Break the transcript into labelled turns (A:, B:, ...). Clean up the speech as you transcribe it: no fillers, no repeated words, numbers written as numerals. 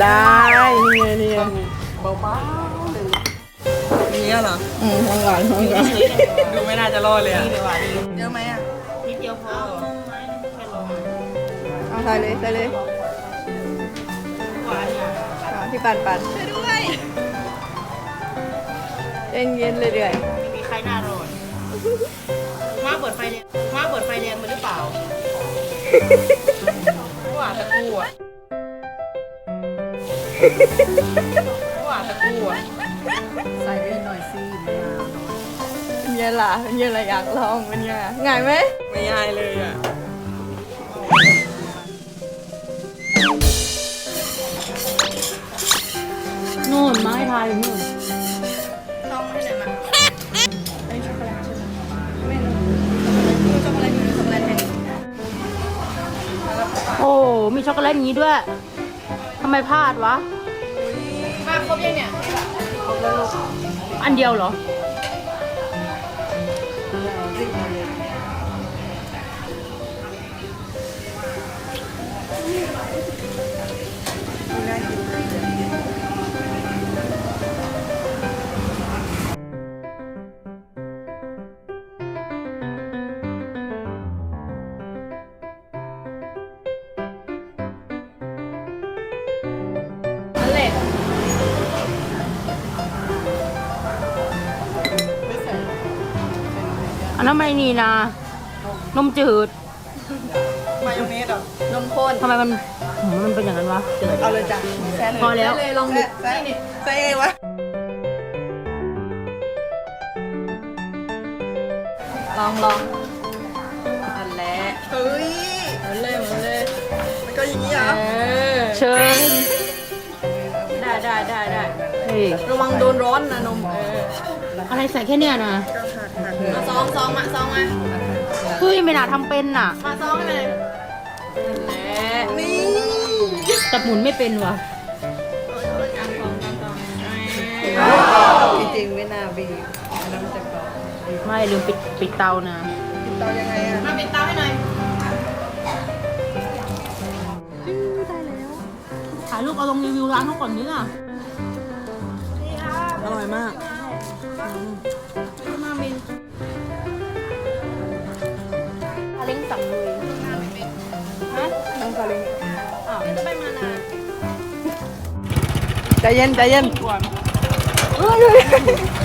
A: ได้นี่ไงนี่ไง
B: เบาๆเลยอย่างเงี้ยเหรอ
A: ห้องก่อนห้องก่อน
B: ดูไม่น่าจะรอดเลยอะ
C: ดีกว่าดี
B: เยอะไหมอะ
C: นิดเดียวพอแค่ลง
A: เอาใส่เลยใส่เลย
C: หวานเนี่ย
A: พี่ปันช่วยด้วยเย็นเรื่อย
C: ไม่มีใครน่ารอดมาเปิดไฟแดงมาเปิดไฟแดงมาหรือเปล่าหวานตะกูอ่ะหวานตะกูอ่ะ
B: ใส่ไปหน่อยสิ
A: ๆเป็นยังล่ะเป็นยังไงอยากลองเป็นยังไงง่ายไหม
B: ไม่ยายเลยอะ
C: นู่นไม้ทายนู่น
A: ต้องให้ไหนมาอันนี้ช็อกโกแลตใช่ไหมไม่รู้ช็อกโกแลตนี่ช็อกโกแลตแทน
C: โอ้ มีช็อกโกแลตอย่างนี้ด้วยทำไมพลาดวะ
A: มาครบยังเนี่ย
C: อันเดียวเหรอ
A: นั่นแหละ
C: อันนั้นไม่นี่นะ นมจืด
B: มายองเนสเหรอน
A: มข้น
C: ทำไมมันเป็นอย่างนั้นวะจืด
B: เอาเลยจ้ะแซ่เลย
C: พอแล้ว
A: เลยลองดู
B: แซ่นี่แซ่วะ
A: ลองนั่นแหละ
B: เฮ้ย
A: หมุนเลย
B: มันก็อย่างนี้เหรอ
C: เชิญ
A: ได้
C: เฮ้ย
A: ระวังโดนร้อนนะนม
C: อะไรใส่แค่เนี้ยนะ
A: มาซองมา
C: เฮ้ยไม่น่าทำเป็นน่ะ
A: มาซองให้เลยนั่นแหละ
B: นี่
C: แต่หมุนไม่เป็นวะ
B: จริงๆไม่น่าบีบน้ำจะกรอบ
C: ไม่ลืมปิดเตานะ
B: เตายังไงอะ
A: มาปิดเตาให้หน่อย
C: ถ่ายรูปเอาลงรีวิวร้านเขาก่อนนี่ล่ะ
B: อร่อยมาก
A: มามิน
C: เล้งสั่งเลย
A: น้องกะลิง
C: อ้าว
A: จะไปมานาใจเย็น
C: ก่อน
A: เฮ้ย